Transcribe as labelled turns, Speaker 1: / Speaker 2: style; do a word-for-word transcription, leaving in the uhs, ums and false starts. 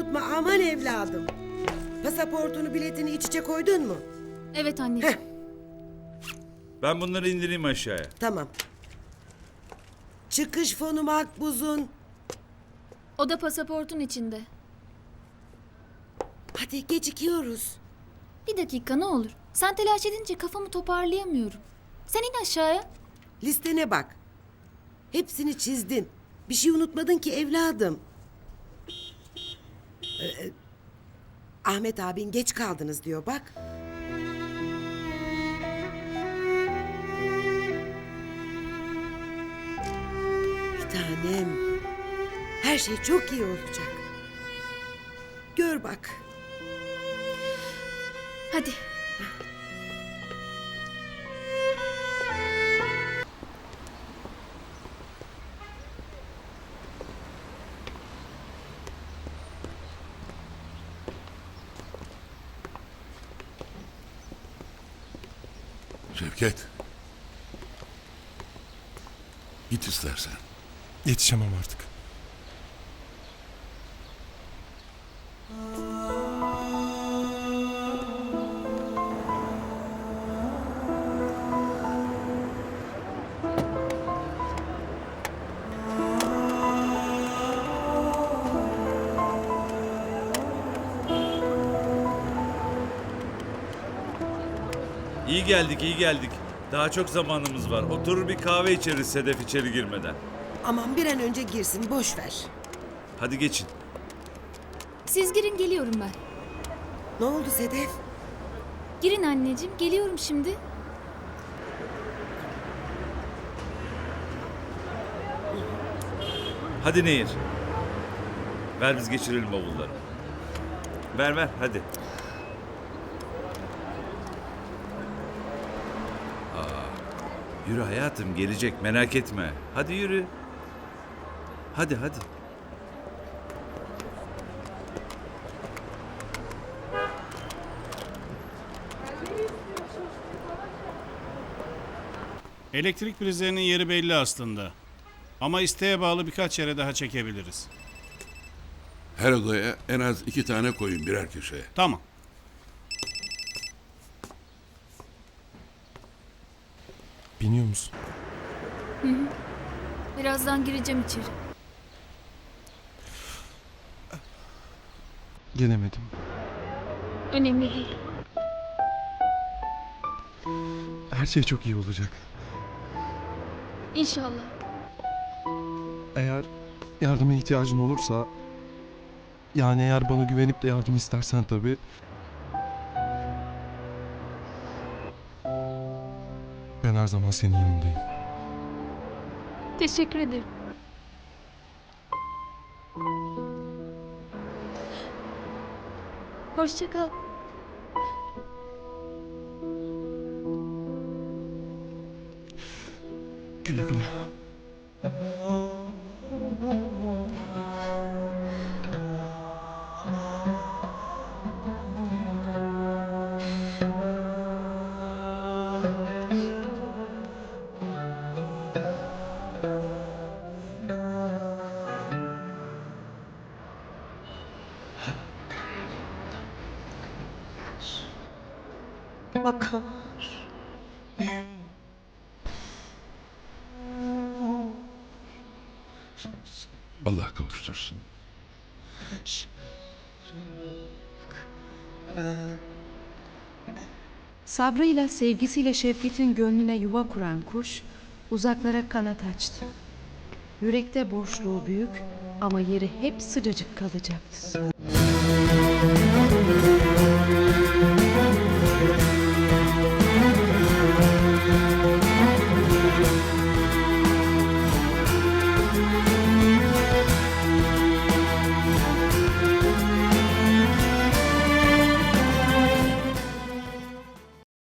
Speaker 1: unutma aman evladım. Pasaportunu, biletini iç içe koydun mu?
Speaker 2: Evet anneciğim.
Speaker 1: Heh,
Speaker 3: Ben bunları indireyim aşağıya.
Speaker 1: tamam. Çıkış fonu makbuzun.
Speaker 2: O da pasaportun içinde.
Speaker 1: Hadi gecikiyoruz.
Speaker 2: Bir dakika ne olur. Sen telaş edince kafamı toparlayamıyorum. Sen in aşağıya.
Speaker 1: Listene bak. Hepsini çizdin. Bir şey unutmadın ki evladım. Ee, Ahmet abin geç kaldınız diyor bak. Bir tanem. Her şey çok iyi olacak. Gör bak.
Speaker 2: Hadi.
Speaker 4: Şevket. Git istersen.
Speaker 5: Yetişemem artık.
Speaker 3: İyi geldik, iyi geldik. Daha çok zamanımız var. Oturur bir kahve içeriz Sedef içeri girmeden.
Speaker 1: Aman bir an önce girsin boş ver.
Speaker 3: Hadi geçin.
Speaker 2: Siz girin geliyorum ben.
Speaker 1: Ne oldu Sedef?
Speaker 2: Girin anneciğim geliyorum şimdi.
Speaker 3: Hadi Nehir. Ver biz geçirelim bavulları. Ver ver hadi. Aa, yürü hayatım gelecek merak etme. Hadi yürü. Hadi hadi.
Speaker 6: Elektrik prizlerinin yeri belli aslında. Ama isteğe bağlı birkaç yere daha çekebiliriz.
Speaker 4: Her odaya en az iki tane koyun birer köşeye.
Speaker 6: Tamam.
Speaker 5: Biniyor musun?
Speaker 2: Birazdan gireceğim içeri.
Speaker 5: Gelemedim.
Speaker 2: Önemli değil.
Speaker 5: Her şey çok iyi olacak.
Speaker 2: İnşallah.
Speaker 5: Eğer yardıma ihtiyacın olursa... Yani eğer bana güvenip de yardım istersen tabii... Ben her zaman senin yanındayım.
Speaker 2: Teşekkür ederim. Hoşça kal.
Speaker 5: Güle güle.
Speaker 1: Bakar.
Speaker 4: Allah kavuştursun.
Speaker 7: Sabrıyla, sevgisiyle Şevket'in gönlüne yuva kuran kuş uzaklara kanat açtı. Yürekte boşluğu büyük ama yeri hep sıcacık kalacaktı.